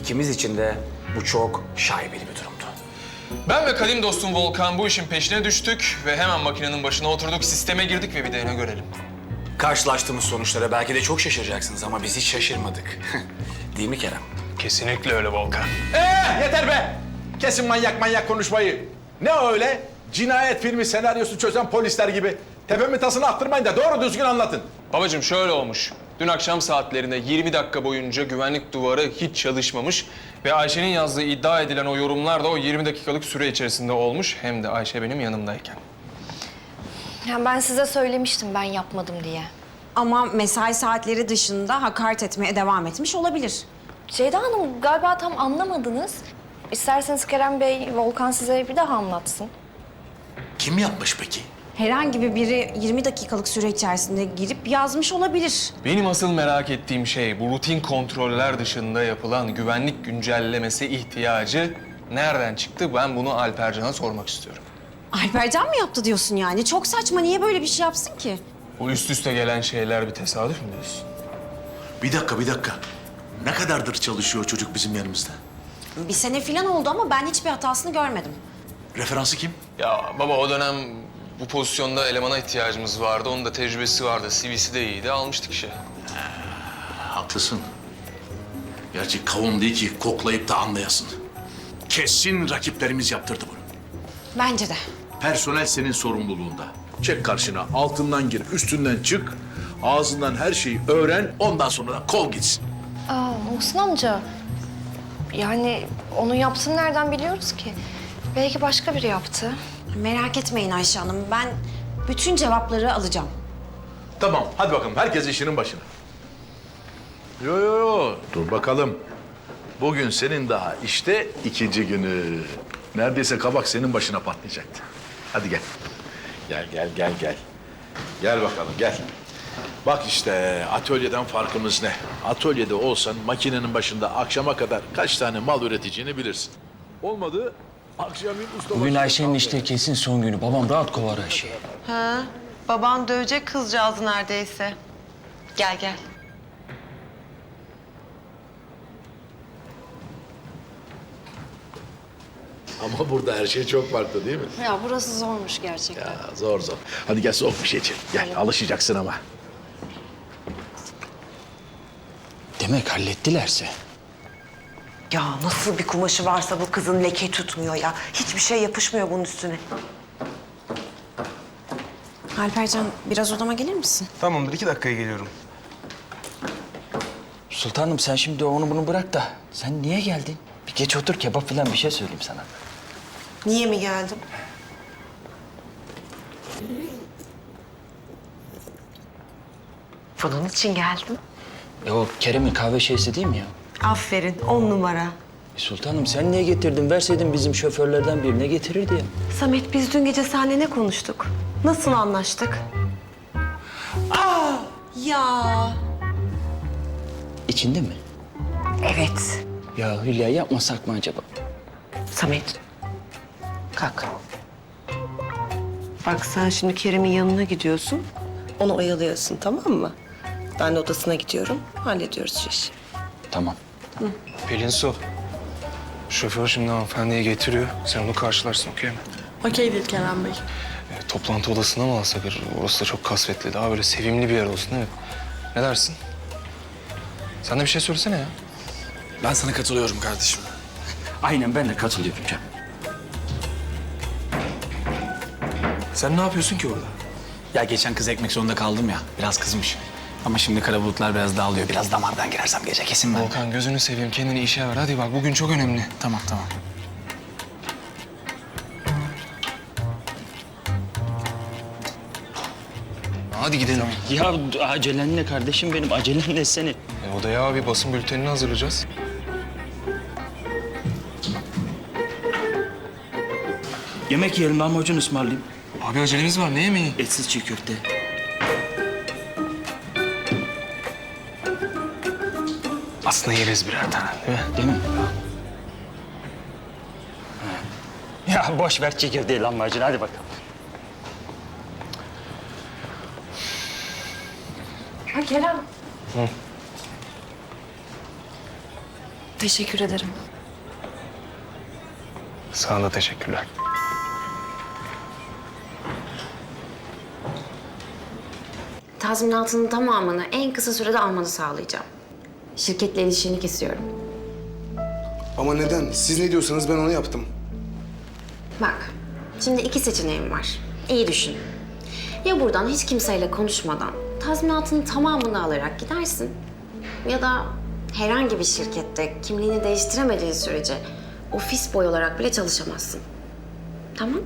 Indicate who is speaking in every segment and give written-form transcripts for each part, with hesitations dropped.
Speaker 1: İkimiz için de bu çok şaibeli bir durumdu.
Speaker 2: Ben ve kadim dostum Volkan bu işin peşine düştük ve hemen makinenin başına oturduk, sisteme girdik ve bir DNA görelim.
Speaker 1: Karşılaştığımız sonuçlara belki de çok şaşıracaksınız ama biz hiç şaşırmadık. Değil mi Kerem?
Speaker 2: Kesinlikle öyle Volkan.
Speaker 3: Yeter be! Kesin manyak konuşmayı. Ne öyle? Cinayet filmi senaryosu çözen polisler gibi. Tepemi tasını attırmayın da doğru düzgün anlatın.
Speaker 2: Babacığım şöyle olmuş. Dün akşam saatlerinde 20 dakika boyunca güvenlik duvarı hiç çalışmamış ve Ayşe'nin yazdığı iddia edilen o yorumlar da o 20 dakikalık süre içerisinde olmuş. Hem de Ayşe benim yanımdayken.
Speaker 4: Ya ben size söylemiştim ben yapmadım diye.
Speaker 5: Ama mesai saatleri dışında hakaret etmeye devam etmiş olabilir.
Speaker 4: Ceyda Hanım galiba tam anlamadınız. İsterseniz Kerem Bey, Volkan size bir daha anlatsın.
Speaker 3: Kim yapmış peki?
Speaker 5: Herhangi biri 20 dakikalık süre içerisinde girip yazmış olabilir.
Speaker 2: Benim asıl merak ettiğim şey bu rutin kontroller dışında yapılan güvenlik güncellemesi ihtiyacı nereden çıktı? Ben bunu Alpercan'a sormak istiyorum.
Speaker 5: Alpercan mı yaptı diyorsun yani? Çok saçma. Niye böyle bir şey yapsın ki?
Speaker 2: Bu üst üste gelen şeyler bir tesadüf mü diyorsun?
Speaker 6: Bir dakika. Ne kadardır çalışıyor çocuk bizim yanımızda?
Speaker 5: Bir sene falan oldu ama ben hiçbir hatasını görmedim.
Speaker 6: Referansı kim?
Speaker 2: Ya baba o dönem bu pozisyonda elemana ihtiyacımız vardı. Onun da tecrübesi vardı. CV'si de iyiydi. Almıştık işe.
Speaker 6: Haklısın. Gerçi kavun değil ki koklayıp da anlayasın. Kesin rakiplerimiz yaptırdı bunu.
Speaker 5: Bence de.
Speaker 6: Personel senin sorumluluğunda. Çek karşına, altından gir, üstünden çık. Ağzından her şeyi öğren, ondan sonra da kov gitsin.
Speaker 4: Muhsin amca, yani onu yapsın nereden biliyoruz ki? Belki başka biri yaptı.
Speaker 5: Merak etmeyin Ayşe Hanım. Ben bütün cevapları alacağım.
Speaker 3: Tamam, hadi bakalım. Herkes işinin başına. Yo. Dur bakalım. Bugün senin daha işte ikinci günü. Neredeyse kabak senin başına patlayacaktı. Hadi gel. Gel. Gel bakalım, gel. Bak işte atölyeden farkımız ne? Atölyede olsan makinenin başında akşama kadar kaç tane mal üreteceğini bilirsin. Olmadı akşamın usta...
Speaker 7: Bugün Ayşe'nin işte kesin son günü. Babam rahat kovar Ayşe'yi.
Speaker 8: Ha, baban dövecek kızcağızı neredeyse. Gel.
Speaker 6: Ama burada her şey çok farklı değil mi?
Speaker 4: Ya burası zormuş gerçekten.
Speaker 6: Ya zor. Hadi gel soğuk bir şey içelim. Gel, alışacaksın ama.
Speaker 7: Demek hallettilerse.
Speaker 8: Ya nasıl bir kumaşı varsa bu kızın leke tutmuyor ya. Hiçbir şey yapışmıyor bunun üstüne.
Speaker 5: Alpercan biraz odama gelir misin?
Speaker 2: Tamamdır. 2 dakikaya geliyorum.
Speaker 7: Sultanım sen şimdi onu bunu bırak da sen niye geldin? Bir geç otur kebap falan bir şey söyleyeyim sana.
Speaker 8: Niye mi geldim? Bunun için geldim.
Speaker 7: O Kerem'in kahve şeysi değil mi ya?
Speaker 8: Aferin, 10 numara.
Speaker 7: Sultanım sen niye getirdin? Verseydin bizim şoförlerden birine getirirdi ya.
Speaker 8: Samet, biz dün gece seninle ne konuştuk? Nasıl anlaştık?
Speaker 5: Ya.
Speaker 7: İçinde mi?
Speaker 8: Evet.
Speaker 7: Ya Hülya yapmasak mı acaba?
Speaker 8: Samet, kalk. Bak sen şimdi Kerem'in yanına gidiyorsun. Onu oyalıyorsun, tamam mı? Ben de odasına gidiyorum, hallediyoruz şu işi.
Speaker 7: Tamam.
Speaker 2: Pelin Su. Şoför şimdi hanımefendiyi getiriyor. Sen onu karşılarsın, okey mi?
Speaker 9: Okey değil Kerem Bey.
Speaker 2: Toplantı odasına mı alsak? Orası da çok kasvetli. Daha böyle sevimli bir yer olsun değil mi? Ne dersin? Sen de bir şey söylesene ya.
Speaker 1: Ben sana katılıyorum kardeşim.
Speaker 7: Aynen ben de katılıyorum Cem.
Speaker 1: Sen ne yapıyorsun ki orada? Ya geçen kız ekmek zorunda kaldım ya. Biraz kızmış. Ama şimdi kara bulutlar biraz dağılıyor. Biraz damardan girersem gece kesin ben.
Speaker 2: Volkan gözünü seveyim kendini işe ver. Hadi bak bugün çok önemli.
Speaker 1: Tamam.
Speaker 2: Hadi gidelim.
Speaker 7: Ya acelen ne kardeşim benim? Acelen ne senin?
Speaker 2: Odaya bir basın bültenini hazırlayacağız.
Speaker 7: Yemek yiyelim lahmacun ısmarlayayım.
Speaker 2: Abi acelemiz var. Ne yemeği?
Speaker 7: Etsiz çiğ köfte.
Speaker 2: Aslında yeriz birer tane değil mi?
Speaker 7: Değil mi? Ya boş ver çiğ köfteyi lahmacun hadi bakalım.
Speaker 4: Ha Kerem. Teşekkür ederim.
Speaker 2: Sana da teşekkürler.
Speaker 5: Tazminatının tamamını en kısa sürede almanı sağlayacağım. Şirketle ilişkini kesiyorum.
Speaker 10: Ama neden? Siz ne diyorsanız ben onu yaptım.
Speaker 5: Bak, şimdi iki seçeneğim var. İyi düşün. Ya buradan hiç kimseyle konuşmadan tazminatının tamamını alarak gidersin. Ya da herhangi bir şirkette kimliğini değiştiremediğin sürece ofis boy olarak bile çalışamazsın. Tamam?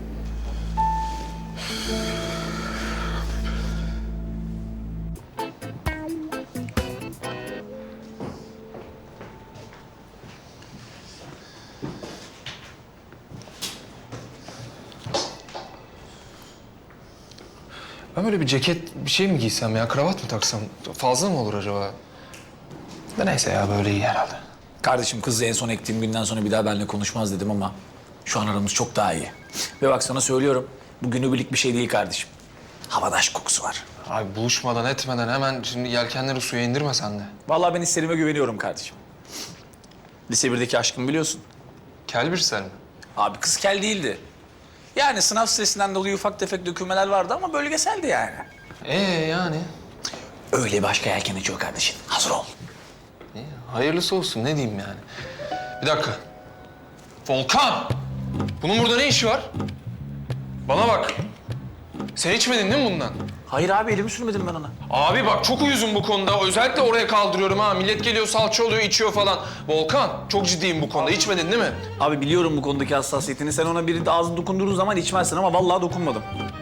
Speaker 2: Ben böyle bir ceket, bir şey mi giysem ya? Kravat mı taksam? Fazla mı olur acaba? Da neyse ya, böyle iyi herhalde.
Speaker 1: Kardeşim kızla en son ektiğim günden sonra bir daha benimle konuşmaz dedim ama şu an aramız çok daha iyi. Ve bak sana söylüyorum, bu günübirlik bir şey değil kardeşim. Havada aşk kokusu var.
Speaker 2: Abi buluşmadan etmeden hemen şimdi yelkenleri suya indirme sen de.
Speaker 1: Vallahi ben hislerime güveniyorum kardeşim. Lise 1'deki aşkımı biliyorsun.
Speaker 2: Kel bir ser mi?
Speaker 1: Abi kız kel değildi. Yani sınav stresinden dolayı ufak tefek dökülmeler vardı ama bölgeseldi yani.
Speaker 2: Yani?
Speaker 1: Öyle başka yelken açıyor kardeşim. Hazır ol.
Speaker 2: İyi, hayırlısı olsun, ne diyeyim yani. Bir dakika. Volkan! Bunun burada ne işi var? Bana bak. Sen içmedin değil mi bundan?
Speaker 1: Hayır abi elimi sürmedim ben ona.
Speaker 2: Abi bak çok uyuzum bu konuda. Özellikle oraya kaldırıyorum ha. Millet geliyor salça oluyor, içiyor falan. Volkan çok ciddiyim bu konuda. İçmedin değil mi?
Speaker 1: Abi biliyorum bu konudaki hassasiyetini. Sen ona biri de ağzını dokundurduğun zaman içmezsin ama vallahi dokunmadım.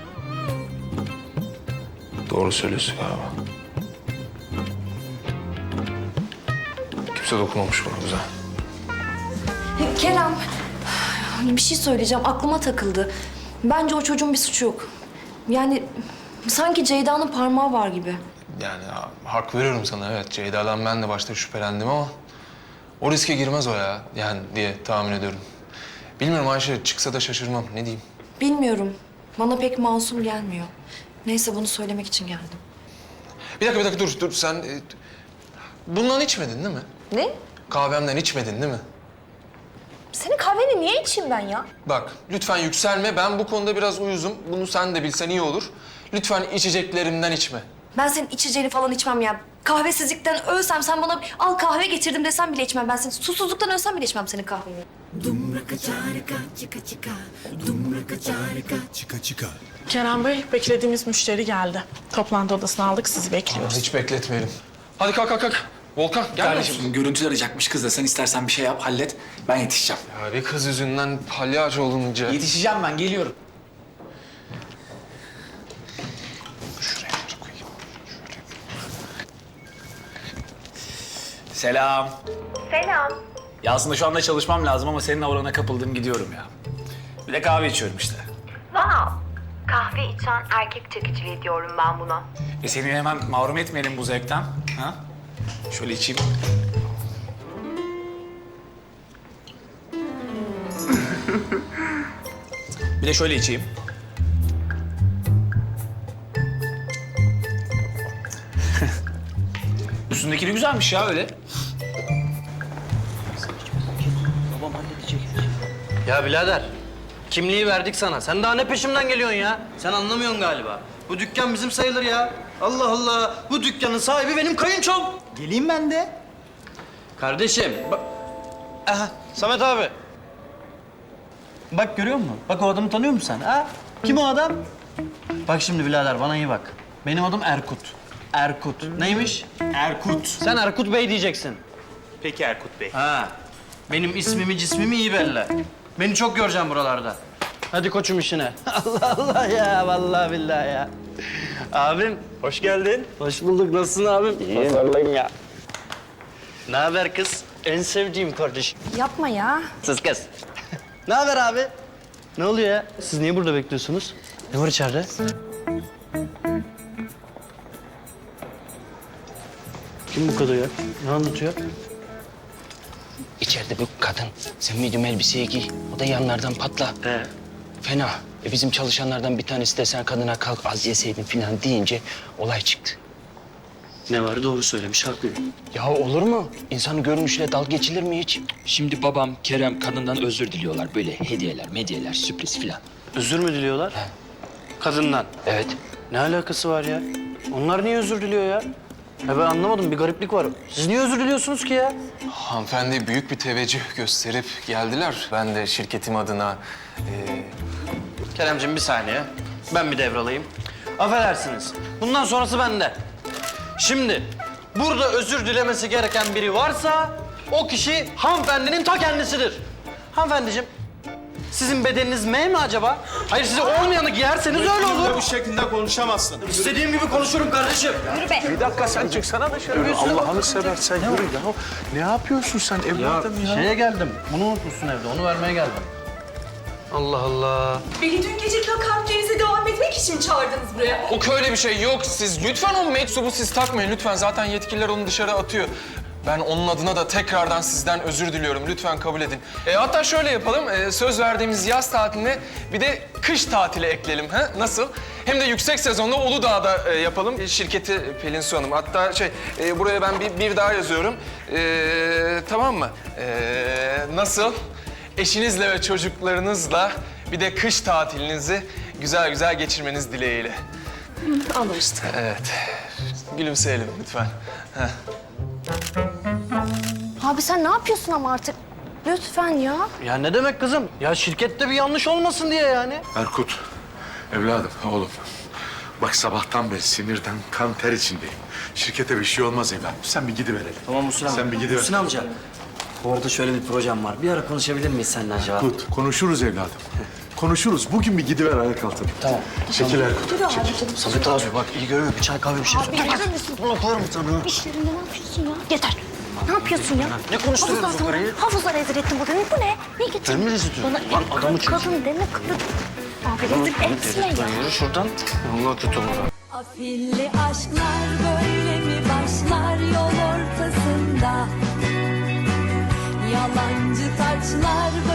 Speaker 2: Doğru söylüyorsun galiba. Kimse dokunmamış buna, güzel.
Speaker 4: Kerem, bir şey söyleyeceğim. Aklıma takıldı. Bence o çocuğun bir suçu yok. Yani sanki Ceyda'nın parmağı var gibi.
Speaker 2: Yani hak veriyorum sana, evet. Ceyda'dan ben de başta şüphelendim ama o riske girmez o ya, yani diye tahmin ediyorum. Bilmiyorum Ayşe, çıksa da şaşırmam. Ne diyeyim?
Speaker 4: Bilmiyorum. Bana pek masum gelmiyor. Neyse bunu söylemek için geldim.
Speaker 2: Bir dakika dur. Sen bundan içmedin değil mi?
Speaker 4: Ne?
Speaker 2: Kahvemden içmedin değil mi?
Speaker 4: Senin kahveni niye içeyim ben ya?
Speaker 2: Bak lütfen yükselme. Ben bu konuda biraz uyuzum. Bunu sen de bilsen iyi olur. Lütfen içeceklerimden içme.
Speaker 4: Ben senin içeceğini falan içmem ya. Kahvesizlikten ölsem sen bana al kahve getirdim desem bile içmem. Ben senin susuzluktan ölsem bile içmem senin kahveni.
Speaker 9: Kerem Bey, beklediğimiz müşteri geldi. Toplantı odasına aldık, sizi bekliyoruz.
Speaker 2: Hiç bekletmeyelim. Hadi kalk. Volkan gel.
Speaker 1: Kardeşim görüntü arayacakmış kız da sen istersen bir şey yap hallet. Ben yetişeceğim.
Speaker 2: Ya bir kız yüzünden palyaço olunca.
Speaker 1: Yetişeceğim ben geliyorum.
Speaker 2: Şuraya koyayım.
Speaker 1: Selam. Selam. Ya aslında şu anda çalışmam lazım ama senin aurana kapıldım gidiyorum ya. Bir de kahve içiyorum işte.
Speaker 11: Kahve içen erkek çekiciliği diyorum ben buna.
Speaker 1: Seni hemen mahrum etmeyelim bu zevkten. Ha? Şöyle içeyim. Bir de şöyle içeyim. Üstündeki de güzelmiş ya öyle.
Speaker 7: Babam halledecek. Ya birader, kimliği verdik sana. Sen daha ne peşimden geliyorsun ya? Sen anlamıyorsun galiba. Bu dükkan bizim sayılır ya. Allah Allah, bu dükkanın sahibi benim kayınçom. Geleyim ben de. Kardeşim, bak... Aha, Samet abi. Bak görüyor musun? Bak o adamı tanıyor musun sen? Ha? Kim o adam? Bak şimdi birader bana iyi bak. Benim adım Erkut. Erkut. Neymiş? Erkut. Sen Erkut Bey diyeceksin.
Speaker 1: Peki Erkut Bey.
Speaker 7: Ha. Benim ismimi cismimi iyi belli. Beni çok göreceğim buralarda. Hadi koçum işine. Allah Allah ya vallahi billahi ya. Abim hoş geldin. Hoş bulduk. Nasılsın abim? İyiyim. Vallahi ya. Ne haber kız? En sevdiğim kardeşim.
Speaker 4: Yapma ya.
Speaker 7: Sus kız. Ne haber abi? Ne oluyor ya? Siz niye burada bekliyorsunuz? Ne var içeride? Kim bu kadın ya? Ne anlatıyor?
Speaker 12: İçeride bu kadın. Sen medium elbiseyi giy. O da yanlardan patla. Fena. Bizim çalışanlardan bir tanesi de sen kadına kalk az yeseydin falan deyince olay çıktı.
Speaker 7: Ne var doğru söylemiş haklı.
Speaker 12: Ya olur mu? İnsanın görünüşüyle dalga geçilir mi hiç? Şimdi babam, Kerem kadından özür diliyorlar. Böyle hediyeler, sürpriz filan.
Speaker 7: Özür mü diliyorlar? Kadından.
Speaker 12: Evet.
Speaker 7: Ne alakası var ya? Onlar niye özür diliyor ya? Ya ben anlamadım bir gariplik var. Siz niye özür diliyorsunuz ki ya?
Speaker 2: Hanımefendi büyük bir teveccüh gösterip geldiler. Ben de şirketim adına
Speaker 7: Keremciğim bir saniye. Ben bir devralayım. Affedersiniz. Bundan sonrası bende. Şimdi burada özür dilemesi gereken biri varsa o kişi hanımefendinin ta kendisidir. Hanımefendiciğim, sizin bedeniniz M mi acaba? Hayır, size olmayanı giyerseniz öyle olur.
Speaker 10: Bu şekilde konuşamazsın.
Speaker 7: İstediğim gibi konuşurum kardeşim.
Speaker 3: Bir dakika sen çıksana dışarı. Allah'ını seversen yürü ya. Ne yapıyorsun sen evladım ya?
Speaker 7: Şeye geldim. Bunu unutmuşsun evde. Onu vermeye geldim. Allah Allah.
Speaker 9: Beni dün gece kalkacağınıza devam etmek için çağırdınız buraya.
Speaker 2: O öyle bir şey yok. Siz lütfen o meczubu siz takmayın lütfen. Zaten yetkililer onu dışarı atıyor. Ben onun adına da tekrardan sizden özür diliyorum. Lütfen kabul edin. Hatta şöyle yapalım. Söz verdiğimiz yaz tatiline bir de kış tatili ekleyelim. Ha? Nasıl? Hem de yüksek sezonda Uludağ'da yapalım. Şirketi Pelin Su Hanım. Hatta buraya ben bir daha yazıyorum. Tamam mı? Nasıl? Eşinizle ve çocuklarınızla bir de kış tatilinizi güzel güzel geçirmeniz dileğiyle.
Speaker 4: Anlaştık.
Speaker 2: Evet. Gülümseyelim lütfen. Heh.
Speaker 4: Abi sen ne yapıyorsun ama artık? Lütfen ya.
Speaker 7: Ya ne demek kızım? Ya şirkette bir yanlış olmasın diye yani.
Speaker 3: Erkut, evladım, oğlum. Bak sabahtan beri sinirden kan ter içindeyim. Şirkete bir şey olmaz evladım. Sen bir gidiverelim.
Speaker 7: Tamam Muhsin amca.
Speaker 3: Sen bir gidiver.
Speaker 7: Muhsin amca. Bu arada şöyle bir projem var. Bir ara konuşabilir miyiz seninle acaba?
Speaker 3: Erkut, konuşuruz evladım. Konuşuruz. Bugün bir gidiver ayağa kalkalım.
Speaker 7: Tamam.
Speaker 3: Çekil Erkut, çekil.
Speaker 7: Sadık abi bak iyi görüyor. Bir çay kahve bir şey.
Speaker 4: Abi gelir misin?
Speaker 7: Bunu koyarım sana.
Speaker 4: İş yerinde ne yapıyorsun ya? Yeter. Ne yapıyorsun ya?
Speaker 7: Ne konuşturuyoruz bu karıyı?
Speaker 4: Hafızlar rezil ettin bugün. Bu ne? Ne getirdin?
Speaker 7: Ben mi rezil ediyorum?
Speaker 4: Bana
Speaker 7: Lan adamı çek.
Speaker 4: kadın deme kadın. Abi rezil etme ya.
Speaker 7: Yürü şuradan. Allah kötü olur.
Speaker 11: Afilli aşklar böyle mi başlar yol ortasında? Yalancı taçlar